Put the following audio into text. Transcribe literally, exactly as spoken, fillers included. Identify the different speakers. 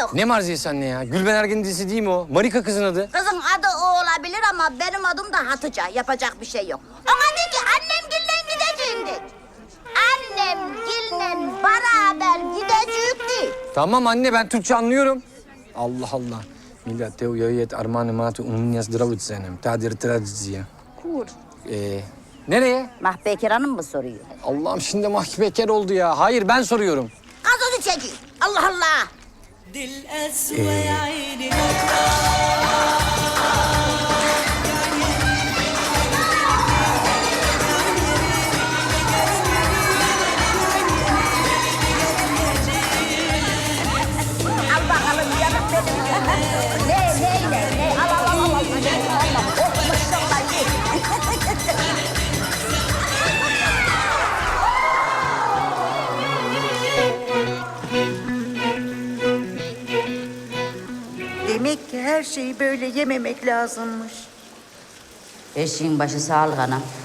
Speaker 1: yok.
Speaker 2: Ne Marziyesi anne ya? Gülben Ergen'in dizisi değil mi o? Marika kızın adı.
Speaker 1: Kızın adı o olabilir ama benim adım da Hatice. Yapacak bir şey yok. Ama de ki annem gille gideceğim de. Annem gille beraber gidecekti.
Speaker 2: Tamam anne ben Türkçe anlıyorum. Allah Allah. Millet teo yayet armağanı matı umunyas dravut senem. Tadir tradiziye.
Speaker 1: Kur.
Speaker 2: Ee, nereye?
Speaker 1: Mahbekir Hanım mı soruyor?
Speaker 2: Allah'ım şimdi mahkemeker oldu ya. Hayır ben soruyorum.
Speaker 1: Gazozu çekiyor. Allah Allah. Al bakalım yanıp benim. Ne ne ne ne al al al al. Allah oh maşallah ye.
Speaker 3: Demek ki her şeyi böyle yememek lazımmış.
Speaker 1: Eşeğin başı sağlık anam.